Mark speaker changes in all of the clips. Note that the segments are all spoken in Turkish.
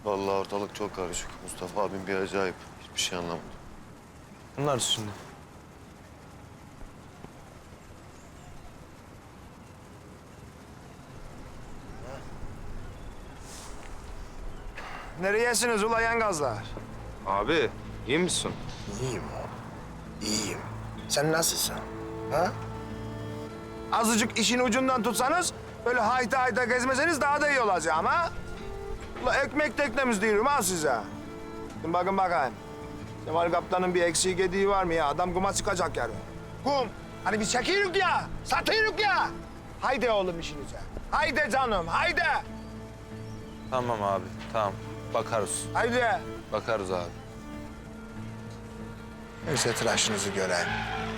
Speaker 1: Vallahi ortalık çok karışık. Mustafa abim bir acayip. Hiçbir şey anlamadım.
Speaker 2: Bunlar şimdi.
Speaker 3: Nereyesiniz ula yengazlar?
Speaker 2: Abi iyi misin?
Speaker 3: İyiyim oğlum. İyiyim. Sen nasılsın? Ha? Azıcık işin ucundan tutsanız, böyle hayta hayta gezmeseniz daha da iyi olacak ama. Ula ekmek teknemiz diyorum ha size. Şimdi bakın bakayım. Cemal Kaptan'ın bir eksiği gediği var mı ya? Adam kuma çıkacak yarın. Kum. Hani biz çekiyoruz ya, satıyoruz ya. Haydi oğlum işinize. Haydi canım, haydi.
Speaker 2: Tamam abi tamam. Bakarız.
Speaker 3: Haydi.
Speaker 2: Bakarız abi.
Speaker 3: Neyse tıraşınızı göreyim.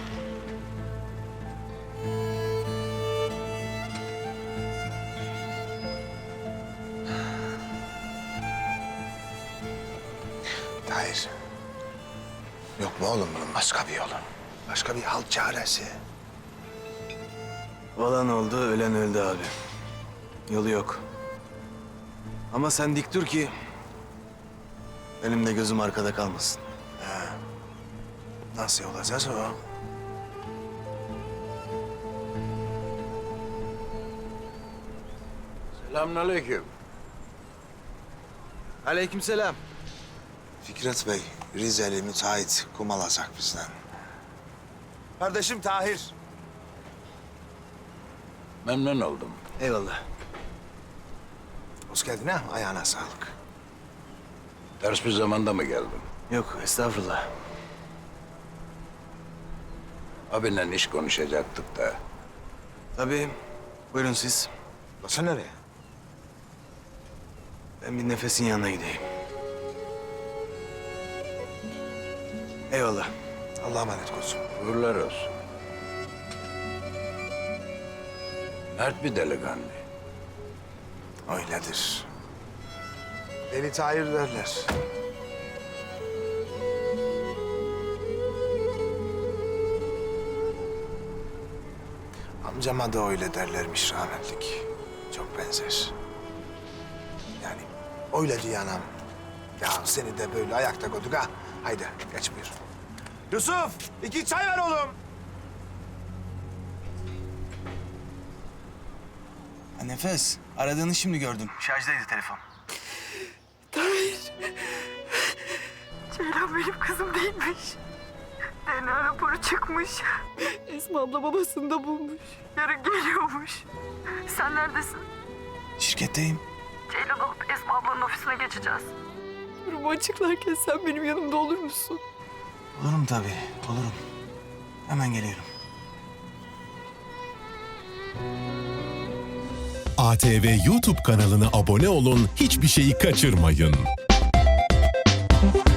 Speaker 3: Tahir. Yok mu oğlum bunun başka bir yolu? Başka bir halt çaresi.
Speaker 4: Olan oldu, ölen öldü abi. Yolu yok. Ama sen dik dur ki benim de gözüm arkada kalmasın.
Speaker 3: Nasıl olacağız o?
Speaker 5: Selamünaleyküm.
Speaker 4: Aleykümselam.
Speaker 3: Fikret Bey, Rizeli müteahhit kum alacak bizden. Kardeşim Tahir.
Speaker 5: Memnun oldum.
Speaker 4: Eyvallah.
Speaker 3: Hoş geldin ha, ayağına sağlık.
Speaker 5: Ters bir zamanda mı geldin?
Speaker 4: Yok, estağfurullah.
Speaker 5: Abinle iş konuşacaktık da.
Speaker 4: Tabii. Buyurun siz.
Speaker 3: Nasıl nereye?
Speaker 4: Ben bir Nefes'in yanına gideyim. Eyvallah.
Speaker 3: Allah'a emanet olsun.
Speaker 5: Uğurlar olsun. Mert bir delikanlı.
Speaker 3: Öyledir. Deli Tahir derler. Amcama da öyle derlermiş rahmetlik. Çok benzer. Yani öyle diyor anam. Ya seni de böyle ayakta koyduk ha. Haydi geç buyur. Yusuf, 2 çay ver oğlum.
Speaker 4: Ha, Nefes, aradığını şimdi gördüm. Şarjdaydı telefon.
Speaker 6: Ceylan benim kızım değilmiş. DNA raporu çıkmış. Esma abla babasını da bulmuş. Yarın geliyormuş. Sen neredesin?
Speaker 4: Şirketteyim.
Speaker 6: Ceylan alıp Esma ablanın ofisine geçeceğiz. Durumu açıklarken sen benim yanımda olur musun?
Speaker 4: Olurum tabii, olurum. Hemen geliyorum.
Speaker 7: ATV YouTube kanalına abone olun, hiçbir şeyi kaçırmayın.